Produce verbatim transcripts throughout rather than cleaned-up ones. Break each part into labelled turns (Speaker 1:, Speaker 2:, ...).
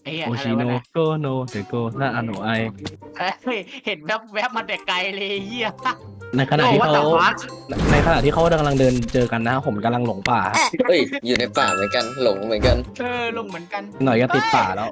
Speaker 1: ไอ้เหี้ย
Speaker 2: โอ
Speaker 1: อะไร
Speaker 2: ชิโน
Speaker 1: วะเนี่ย
Speaker 2: โกโนเดโกนาอาโนไอ
Speaker 1: เฮ้ยเห็นแวบแวบมาแต่ไกลเลยเหี้ย
Speaker 2: ในขณะ
Speaker 3: โอ้
Speaker 2: ที่
Speaker 3: ว่า
Speaker 2: เขา
Speaker 3: แต่ฟัก
Speaker 2: ในขณะที่เขากำลังเดินเจอกันนะผมกำลังหลงป่า
Speaker 4: เฮ้ยอยู่ในป่าเหมือนกันหลงเหมือนกัน
Speaker 1: เออลงเหมือนกัน
Speaker 2: หน่อยก็ติดป่าแล้ว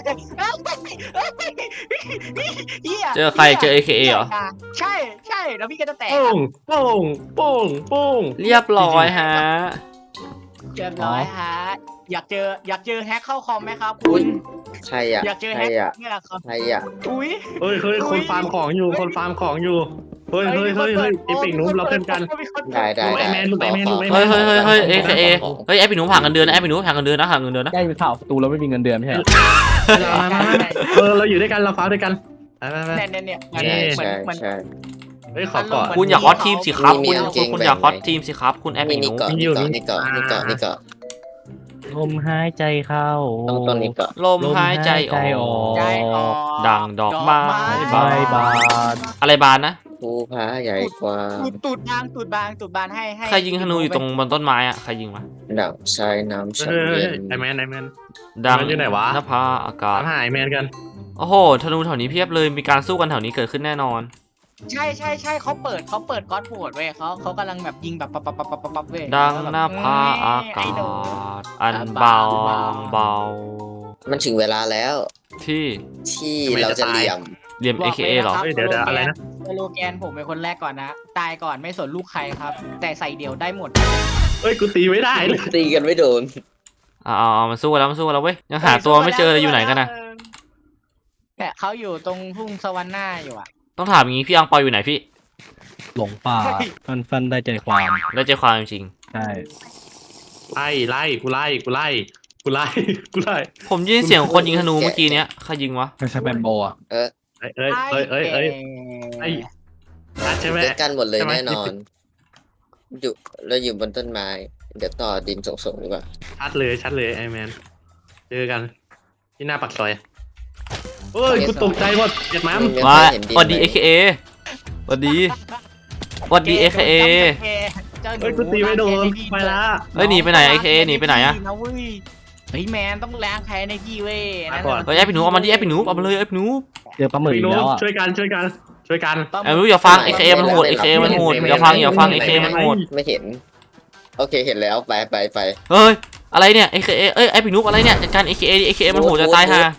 Speaker 1: เหี้ย
Speaker 5: เจอใครเจอ เอ เค เอ เหรอ
Speaker 1: ใช่ใช่แล้วพี่ก็จะแตก
Speaker 3: โป้งโป้งโป้งโป้ง
Speaker 5: เรียบร้อยฮะ
Speaker 1: เรียบร้อยฮะอยากเจออยากเจอแฮกเข้าคอมไหมครับ
Speaker 4: อุ๊
Speaker 1: คุ
Speaker 4: ย
Speaker 1: ณ
Speaker 4: ใครอ่ะ
Speaker 1: อยากเจอ
Speaker 4: ใคร
Speaker 1: แฮก
Speaker 4: อ่ะ
Speaker 1: นี่แหละครับ
Speaker 4: ใครอ่ะ
Speaker 1: อุ้ย
Speaker 3: เฮ้ยเฮ้ย
Speaker 1: อุ๊
Speaker 3: คน
Speaker 1: ย
Speaker 3: ฟาร์มของอยู่คนฟาร์มของอยู่เฮ้ยเฮ้ยเฮ้ยเฮ้ยเอพิกนูบเราเพื่อนกัน
Speaker 4: ได้ได้
Speaker 3: ลูกไอ้
Speaker 4: ได้
Speaker 3: แมนลูกไอ้แมน
Speaker 4: ขอ
Speaker 3: ลูกไอ้แม
Speaker 5: เฮ้ย
Speaker 3: น
Speaker 5: เฮ้ยเฮ้ยเฮ้ย
Speaker 4: ข
Speaker 5: เอ
Speaker 4: อ
Speaker 5: เคเอ
Speaker 4: ขอ
Speaker 5: เฮ้ยไอพี่หนูผ่านกันเดือนนะไอพี่หนูผ่านกันเดือนนะผ่านกันเดือนนะ
Speaker 2: ได้ข่าวตูแล้วไม่มีเงินเดือนไม่ใช่เหรอ
Speaker 3: มามามาเออเราอยู่ด้วยกันเราฟ้าด้วยกันไปไปไป
Speaker 1: เนี่ยเนี่ยเนี่ย
Speaker 4: ใช่
Speaker 1: เหมือน
Speaker 4: ใช่
Speaker 1: เหมือน
Speaker 4: ใช่
Speaker 3: เฮ้ยขอก่อน
Speaker 5: คุณอย่าคอสทีมสิครับ
Speaker 4: มี
Speaker 5: คุณ
Speaker 4: กางเก
Speaker 5: คุณ
Speaker 4: ง
Speaker 5: คุณ
Speaker 4: แบ่ง
Speaker 5: อย่าคอส
Speaker 4: ไหม
Speaker 5: ทีมสิครับคุณแอป
Speaker 4: มี
Speaker 5: พี่ห
Speaker 4: นี่
Speaker 5: นู
Speaker 4: เกาะนี่เกาะนี่เกาะนี่เกาะนี่เกาะ
Speaker 2: ลมหายใจเข้า
Speaker 4: ต้องต้นนี้เกาะ
Speaker 5: ลมหายใจออก
Speaker 1: ใจออก
Speaker 5: ดังดอกไม้
Speaker 2: บายบาย
Speaker 5: อะไรบานนะ
Speaker 4: ภูผาใหญ่กว่า
Speaker 1: ตูดตูดบางตูดบางตูดบางให้ให้
Speaker 5: ใครยิงธนูอยู่ตรงบนต้นไม้อะใครยิงวะ
Speaker 4: ดังชายน้ำ
Speaker 3: เฮ้
Speaker 4: ฉัน
Speaker 3: ยเฮ้ย
Speaker 4: เย็น
Speaker 3: ไอ้แมนไอ้แมน
Speaker 5: ดัง
Speaker 3: มันอยู่ไหนวะ
Speaker 5: นภาอากา
Speaker 3: ตา
Speaker 5: ศ
Speaker 3: มหาไอ้แมนกัน
Speaker 5: โอ้โหธนูแถวนี้เพียบเลยมีการสู้กันแถวนี้เกิดขึ้นแน่นอน
Speaker 1: ใช่ใช่ใช่เขาเปิดเขาเปิดก๊อตโหดเว้ยเขาเขากำลังแบบยิงแบบปับปับปับปับปับปับเว้ย
Speaker 5: ดัง
Speaker 1: แล้วแบบ
Speaker 5: หน้าผาอากา
Speaker 1: ไอ้หนู
Speaker 5: ศอันเบาเบา
Speaker 4: มันถึงเวลาแล้ว
Speaker 5: ที่
Speaker 4: ที่เราจะเหลี่ยม
Speaker 5: เรียม
Speaker 1: บ
Speaker 5: เอ
Speaker 1: อก
Speaker 5: เค
Speaker 1: ล
Speaker 5: เอ
Speaker 1: นะ
Speaker 5: หรอ
Speaker 1: คบ
Speaker 3: เฮ้ยเดี๋ยวเดี๋ยวอะไรนะ
Speaker 1: สโลแกนผมเป็นคนแรกก่อนนะ ตายก่อนไม่สนลูกใครครับ แต่ใส่เดี่ยวได้หมด
Speaker 3: เฮ้ยกูตีไม่ได้เลย
Speaker 4: ตีกันไม่โดน
Speaker 5: อ่าเอามันสู้กันแล้วมันสู้กันแล้วเว้ยยังหาตัวไม่เจอเลยอยู่ไหนกันนะ
Speaker 1: เนี่ยเขาอยู่ตรงทุ่งสวรรค์หน้าอยู่อ่ะ
Speaker 5: ต้องถามอย่างงี้พี่อังเปาอยู่ไหนพี่
Speaker 2: หลงป่า ฟันฟันได้ใจความ
Speaker 5: ได้ใจความจริง
Speaker 2: ใช่
Speaker 3: ไล่ไล่กูไล่กูไล่กูไล่กูไล่
Speaker 5: ๆผมยินเสียงคนยิงธนูเมื่อกี้เนี้ยใครยิงวะ
Speaker 2: ไม่ใช่แบมโบอ่ะ
Speaker 4: เออ
Speaker 3: เอ้ยเอ้ยเอ้ยเอ้ยเอ้ยไอ้นัดใช่ไหม
Speaker 4: ด้วยกันหมดเลย
Speaker 3: ใช่ไหม
Speaker 4: แน่นอน อยู่เราอยู่บนต้นไม้ เดี๋ยวต่อดินส่งๆดีกว่า
Speaker 3: ชัดเลยชัดเลยไอ้แมนเจอกันที่หน้าปากซอยเฮ้ยกูตกใจหมดเจ็ดม้าม
Speaker 4: ไม่
Speaker 5: มา
Speaker 4: เคยเห็นดิน
Speaker 5: สวัสดี
Speaker 4: ไหม
Speaker 5: เอเคเอสวัสดีสวัสดีเอเคเอ
Speaker 1: เจ้าหนู
Speaker 3: เฮ้ยกูตีไม่โดนไปละ
Speaker 5: เฮ้ยหนีไปไหน เอ เค เอ หนีไปไหนอะ
Speaker 1: เว้ยเฮ้ยแมนต้องล้างแค้นในพี่เว้ยนั่น
Speaker 3: ก่อน
Speaker 5: เฮ้ยไอพี่หนูเอามันดิไอพี่หนูเอามาเลยไอพี่หนู
Speaker 2: เจอปลาหมึก
Speaker 3: พี่
Speaker 2: อีก
Speaker 3: นุ๊
Speaker 2: แล้ว
Speaker 3: ก
Speaker 2: อ่ะ
Speaker 3: ช่วยกันช่วยกันช่วยกัน
Speaker 5: ไอพี่หนูอย่าฟังเอเคเอมันโหดเอเคเอมันโหดอย่าฟังอย่าฟังเอเคเอมันโหด
Speaker 4: ไม่เห็น โอเคเห็นแล้วไปไปไป
Speaker 5: เฮ้ยอะไรเนี่ยเอเคเอเอ้ยไอพี่หนูอะไรเนี่ยจัดการเอเคเอเอเคเอมันโหดจะตายห่า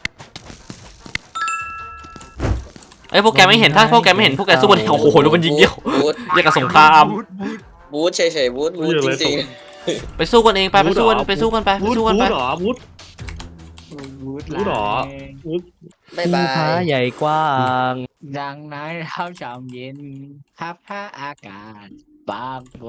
Speaker 5: ไอยพวกแกไม่เห็นถ้าพวกแกไม่เห็นพวกแกสู้กันโอ้โหดูมันยิงเยี่ยว
Speaker 4: บูท
Speaker 5: เรียกกับสงคราม
Speaker 4: บูทเฉยๆบูทบูทจริง
Speaker 5: ไปสู้กันเองไปไปสู้กันไปสู้กันไปไป
Speaker 3: วูด
Speaker 5: สู้กัน
Speaker 3: วู
Speaker 5: ไป
Speaker 3: ดเหรอวูด รู้เหรอ วูด
Speaker 4: ๆบ๊ายบา
Speaker 2: ภูผาย ใหญ่กว้าง
Speaker 1: ดังนั้นเท้าชามเย็นพับผ้าอากาศบางตัว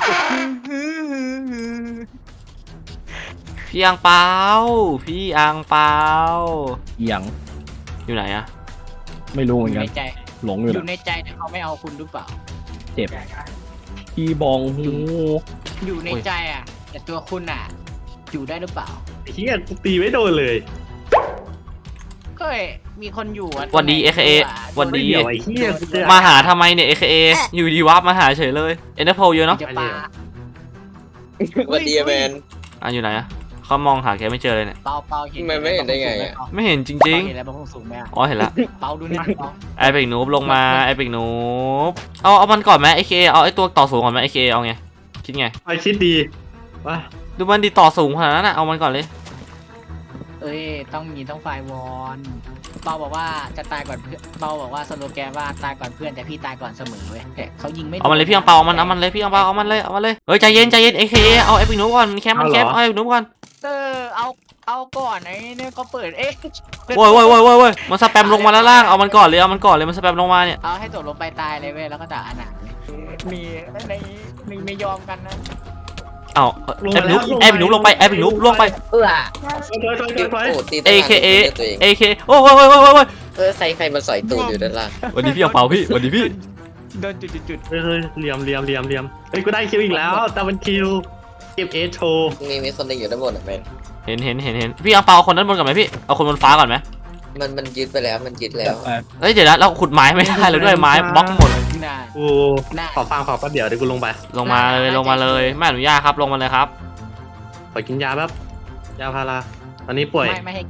Speaker 5: พี่อังเปาพี่อังเปา
Speaker 2: เอียง
Speaker 5: อยู่ไหนอะ
Speaker 2: ไม่รู้
Speaker 1: อ
Speaker 2: เหมือน
Speaker 1: ยู่
Speaker 2: กั
Speaker 1: ใน
Speaker 2: น
Speaker 1: ใจ
Speaker 2: หลงอ
Speaker 1: อยู่
Speaker 2: นะ
Speaker 1: ยู่ในใจแต่เขาไม่เอาคุณหรือเปล่า
Speaker 2: เจ็บพี่บองหู
Speaker 1: อยู่ในใจอ่ะ แต่ตัวคุณอ่ะ อยู่ได้หรือเปล่า
Speaker 3: ไอ้เฮียกูตีไม่โดนเลย
Speaker 1: ก็มีคนอยู่อ่ะ
Speaker 5: วันดีเอเคเอวันดี
Speaker 3: เดี๋ยวไอ้เฮียกูเจอ
Speaker 5: มาหาทำไมเนี่ยเอเคเออยู่ดีวับมาหาเฉยเลยเอ็นเตอร์โพเยอะเนาะ
Speaker 1: จะปา
Speaker 4: สวัสดีแมน
Speaker 5: อ่ะอยู่ไหนอะเขามองหาแกไม่เจอเลยเนี่ย
Speaker 1: เปาเปาเห็น
Speaker 4: มันไม่เห็นได้ไงอะ
Speaker 5: ไม่เห็นจ
Speaker 1: เปา
Speaker 5: ริง
Speaker 1: เห็นอะไรบ้างสูงไหมอะ
Speaker 5: ๆอ๋อเห็นละ
Speaker 1: เปาดูนี่เปา
Speaker 5: ไอเป็กนูบลงมาไอเป็กนูบเอาเอามันก่อนไหมไอเคเอาไอตัวต่อสูงก่อนไหมไอเคเอาไงคิดไง
Speaker 3: ไอคิดดีว่า
Speaker 5: ดูมันดีต่อสูงขนาดนั้นอะเอามันก่อนเลย
Speaker 1: เอ้ยต้องมีต้องไฟวอนเปาบอกว่าจะตายก่อนเพื่อนเปาบอกว่าสโลแกนว่าตายก่อนเพื่อนแต่พี่ตายก่อนเสมอเว้ยแต่เขายิงไม่โดน
Speaker 5: เอามันเลยพี่อังเปาเอามันเอามันเลยพี่อังเปาเอามันเลยเอามันเลยเฮ้ยใจเย็นใจเย็นไอเคเอาไอเป็กนูบก่อนมันแคมมันแคมเอาไอเป็กนูบก่อน
Speaker 1: เออเอาเอาก่อนไอ้เนี่ยก็เปิดเอ๊ะ
Speaker 5: โว้ยโว้ยโว้ยโว้ยโว้ยมันสแปมลงมาแล้วล่างเอามันก่อนเลยเอามันก่อนเลยมันสแปมลงมาเนี่ย
Speaker 1: เอาให้ตกลงไปตายเลยเว้ยแล้วก็ด่าอนาถเลยมีในมีไม่ยอมกันนะ
Speaker 5: เอาไอเป็กนูบไอเป็กนูบลงไปไอเป็กนูบลงไป
Speaker 1: เออ
Speaker 3: ถอยถอยถอยถอย
Speaker 4: โอ้ตี
Speaker 5: เอ
Speaker 4: ตั้งนาน
Speaker 5: เคเอ
Speaker 4: ตัวเอง
Speaker 5: เอเคโอ้ยโว้ยโว้ยโว้ยโว้ย
Speaker 4: เออใครใครมาสอยตูดอยู่ด้านล่าง
Speaker 5: วันนี้พี่อังเปาพี่วันนี้พี่
Speaker 1: โดนจุดจุดจุด
Speaker 3: เฮ้ยเฮ้ยเหลี่ยมเหลี่ยมเหลี่ยมเหลี่ยมเฮ้ยกูได้คิวอีกแล้วแต่มันคิวเก็บเอโชว์
Speaker 4: มีมีคนหนึงอยู่ด้านบนอ่ะแมน
Speaker 5: เห็นเห็นเห็นเห็นพี่อังเปาเอาคนด้านบนก่อนไหมพี่เอาคนบนฟ้าก่อนไหม
Speaker 4: มันมันยึดไปแล้วมันยึดแล้ว
Speaker 2: แต่
Speaker 5: เฮ้ยเดี๋ยวนะเราขุดไม้ไม่ได้เลยด้วยไม้บล็อกหมด
Speaker 1: น่า
Speaker 3: กูขอฟังขอแป๊บเดี๋ยวเดี๋ยวกูลงไป
Speaker 5: ลงมาเลยลงมาเลยไม่อนุญาตครับลงมาเลยครับ
Speaker 3: ขอกินยาแป๊บยาพาราตอนนี้ป่วย
Speaker 1: ไม่ไม่ให้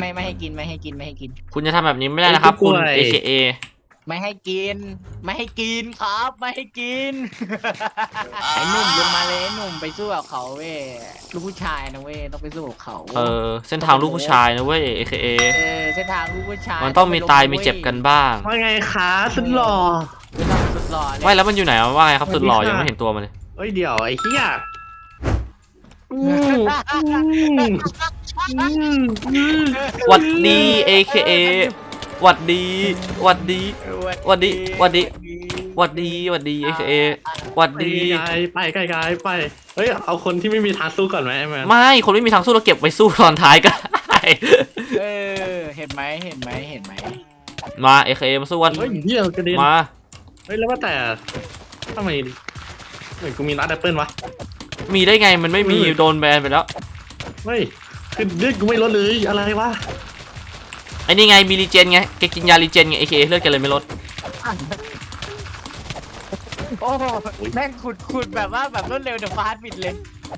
Speaker 1: ไม่ไม่ให้กินไม่ให้กินไม่ให้กิน
Speaker 5: คุณจะทำแบบนี้ไม่ได้นะครับคุณ เอ เค เอ
Speaker 1: ไม่ให้กิน ไม่ให้กินครับไม่ให้กิน ไอ้หนุ่มลงมาเลยไอ้หนุ่มไปสู้กับเขาเว้ยลูกผู้ชายนะเว้ยต้องไปสู้กับเขา
Speaker 5: เออเส้นทางลูกผู้ชายนะเว้ย เอ เค เอ
Speaker 1: เออเส้นทางลูกผู้ชาย
Speaker 5: มันต้องมีตายมีเจ็บกันบ้าง
Speaker 3: ว่าไงคะสุดหล่อ
Speaker 1: ไม่ต้องสุดหล่อเลย
Speaker 5: ไม่แล้วมันอยู่ไหนวะว่าไงครับสุดหล่อ
Speaker 3: สวัสดีค่ะ
Speaker 5: ยังไม่เห็นตัวมันเลย
Speaker 3: เอ้ยเดี๋ยวไอ้เหี้ยอืมอืมอืมอืม
Speaker 5: หวัดดี เอ เค เอ หวัดดีหวัดดี หวัดดีหวัดดี หวัดดีหวัดดี เอ เค เอ หวัด
Speaker 3: ไป
Speaker 5: ดี
Speaker 3: ไกลไปไกลๆไปเฮ้ยเอาคนที่ไม่มีทางสู้ก่อนไหมไอ้แมน
Speaker 5: ไม่ คนไม่มีทางสู้เราเก็บไว้สู้ตอนท้ายก็ได้
Speaker 1: เออเห็นไหมเห็นไหมเห็นไหม
Speaker 5: มา เอ เค เอ มาสู้กัน
Speaker 3: เฮ้ยเหี้ยกระเด็น
Speaker 5: มา
Speaker 3: เฮ้ยแล้วว่าแต่ทำไมเหมือนกูมีรัดแอปเปิลวะ
Speaker 5: มีได้ไงมันไม่มี
Speaker 3: เออ
Speaker 5: โดนแบนไปแล้ว
Speaker 3: เฮ้ยคือเลือดกูไม่ลดเลยอะไรวะ
Speaker 5: ไอ้นี่ไงมีรีเจนไงแกกินยารีเจนไง เอ เค เอ เลือดแกเลยไม่ลด
Speaker 1: โอ้โหแม่งขุดขุดแบบว่าแบบรวดเร็วเดอะฟาสต์บิดเลย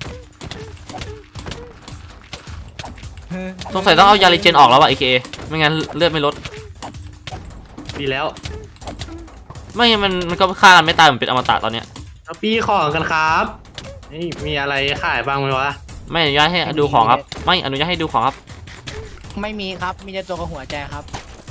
Speaker 5: สงสัยต้องเอายารีเจนออกแล้วว่ะ เอ เค เอ ไม่งั้นเลือดไม่ลด
Speaker 3: ดีแล้ว
Speaker 5: ไม่งั้นมันมันก็ฆ่ากันไม่ตายเหมือนเป็นอมตะตอนเนี้ย
Speaker 3: เอาปี้ของกันครับนี่มีอะไรขายบ้างไหมวะ
Speaker 5: ไม่อนุญาตให้ดูของครับ ไม่อนุญาตให้ดูของครับ
Speaker 1: ไม่มีครับมีแต่ตัวกับหัวใจครับ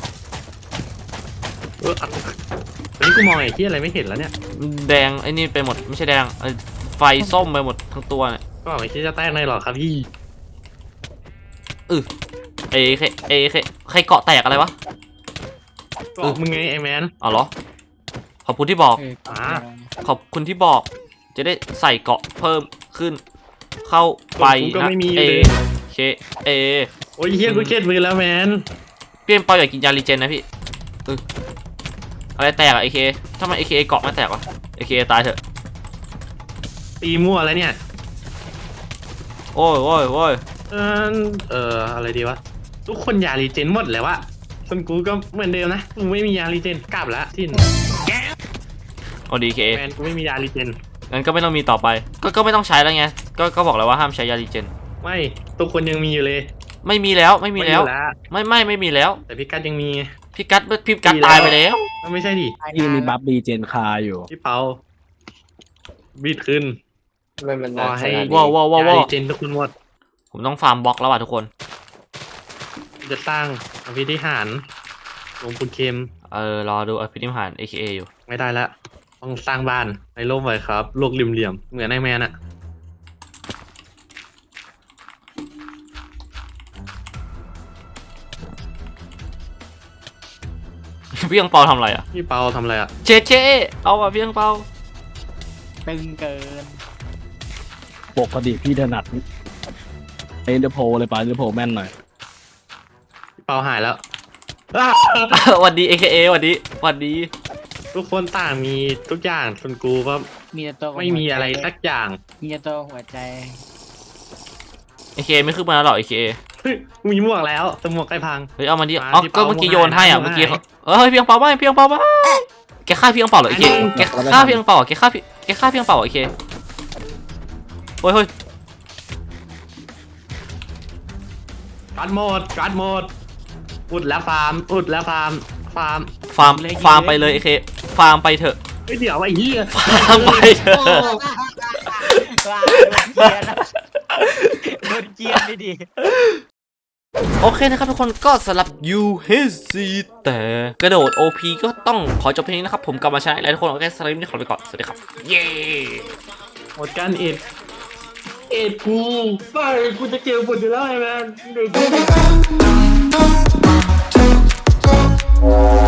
Speaker 3: เอออัดวันนี้กูมองไอ้ที่อะไรไม่เห็นแล้วเนี่ย
Speaker 5: แดงไอ้นี่ไปหมดไม่ใช่แดงเอ้ยไฟส้มไปหมดทั้งตัวเนี่ย
Speaker 3: ก็บอกไอ้ที่จะแตกในหรอครับพี่
Speaker 5: เอเคเอเคใครเกาะแตกอะไรวะ
Speaker 3: ก็มึงไงไอ้แมน
Speaker 5: อ๋อเหรอขอบคุณที่บอก
Speaker 1: เออ
Speaker 3: อ่า
Speaker 5: ขอบคุณที่บอก จะได้ใส่เกาะเพิ่มขึ้น เข้าไปนะเอเคเอ
Speaker 3: โอ้ยเฮียกูเครียดมือแล้วแมน
Speaker 5: พี่เอ็มเปาอยากกินยารีเจนนะพี่เอออะไรแตกอะเอเคทำไมเอเคเกาะไม่แตกวะเอเคตายเถอะ
Speaker 3: ตีมั่วแล้วเนี่ย
Speaker 5: โอ้ยโอ้ยโอ้ย
Speaker 3: เออเอออะไรดีวะทุกคนยารีเจนหมดแล้ววะส่วนกูก็เหมือนเดิมนะกูไม่มียารีเจนกลับแล้วสิ้น
Speaker 5: โอ้ดีเค
Speaker 3: แมนกูไม่มียารีเจน
Speaker 5: งั้นก็ไม่ต้องมีต่อไป ก็ก็ไม่ต้องใช้แล้วไงก็ก็บอกแล้วว่าห้ามใช้ยารีเจน
Speaker 3: ไม่ทุกคนยังมีอยู่เลย
Speaker 5: ไม่มีแล้วไม่มีแล้ว
Speaker 3: อยู่
Speaker 5: ไม่ไม่ไม่มีแล้ว
Speaker 3: แต่พี่กัดยังมี
Speaker 5: พี่กัดพี่กัด
Speaker 3: มีแล้ว
Speaker 5: ตายไปแล้ว
Speaker 3: ไม่ใช่ดิ
Speaker 2: ที่มีบัฟดีเจนคาอยู่
Speaker 3: พี่เปาบีดขึ้น
Speaker 4: ไม่มัน
Speaker 3: รอ
Speaker 4: นา
Speaker 3: ให้
Speaker 4: ขนาดนี้
Speaker 5: ว้าวว้าวว้าวย
Speaker 3: า
Speaker 5: ว้าว
Speaker 3: รีเจนทุกคนหมด
Speaker 5: ผมต้องฟาร์มบล็อกแล้วว่ะทุกคน
Speaker 3: จะสร้างอภิธิหารหลวงปู่เข็ม
Speaker 5: เออรอดูอภินิหาร เอ เค เอ อยู่
Speaker 3: ไม่ได้ละต้องสร้างบ้านในร่มไว้ครับโลกเหลี่ยมๆเหมือนไอแมนอะ
Speaker 5: พี่ยังเปาทำอะไรอ่ะ
Speaker 3: พี่เปาทำอะไรอะ
Speaker 5: เจเจเอาอ่ะพี่ยังเปา
Speaker 1: ตึงเกิน
Speaker 2: ปกติพี่ถนัดเอ็นเดอร์โพเลยปะเอ็นเดอร์โพแม่นหน่อย
Speaker 3: พี่เปาหายแล้วอ้า
Speaker 5: หวัดดี เอ เค เอ หวัดดีหวัดดี
Speaker 3: ทุกคนต่างมีทุกอย่างส่วนกูก็
Speaker 1: มีแต่ตัวกับ
Speaker 3: ไม่มีอะไรสักอย่าง
Speaker 1: มีแต่ตัวหัวใจ
Speaker 5: เอ เค ไม่ขึ้นมาแล้วหรอ เอ เค เอ
Speaker 3: เฮ้ยกูมีหมวกแล้วแต่หมวกใครพัง
Speaker 5: เฮ้ยเอามาดิ
Speaker 3: มา
Speaker 5: อ๋อ
Speaker 3: พี่
Speaker 5: ก็
Speaker 3: เปา
Speaker 5: เมื่อกี้
Speaker 3: มา
Speaker 5: โยนให้อ่ะ
Speaker 3: มา
Speaker 5: เมื่อกี้
Speaker 3: มา
Speaker 5: เขาเฮ้ยพี่ยังเปาไม่พี่ยังเปาไม่แกฆ่าพี่ยังเปาเหรอ เอ เค แกฆ่าพี่ยังเปาเหรอแกฆ่าพี่แกฆ่าพี่ยังเปาเหรอ เอ เคเฮ้ยเฮ้ย
Speaker 3: การ์ดโหมดการ์ดโหมดอุดแล้วฟาร์มอุดแล้วฟาร์มฟาร์ม
Speaker 5: ฟาร์มฟาร์มไปเลย เอ เค ฟาร์มไปเถอะ
Speaker 3: เฮ้ยเดี๋ยวไอ้เหี้ย
Speaker 5: ฟาร์มไปเถอะ
Speaker 1: ว้าวโดนเกียร์นะโดนเกียร์ไม่ดี
Speaker 5: โอเคนะครับทุกคนก็สำหรับ ยู เอช ซี แต่กระโดด โอ พี ก็ต้องขอจบเพลงนี้นะครับ ผมกลับมาชนะแล้วทุกคนโอเคสำหรับวันนี้ขอไปก่อน สวัสดีครับ เย้
Speaker 3: หมดการเอ็ดเอ็ดกูไปกูจะเกี่ยวหมดอยู่แล้วไอ้แมนเดี๋ยวกู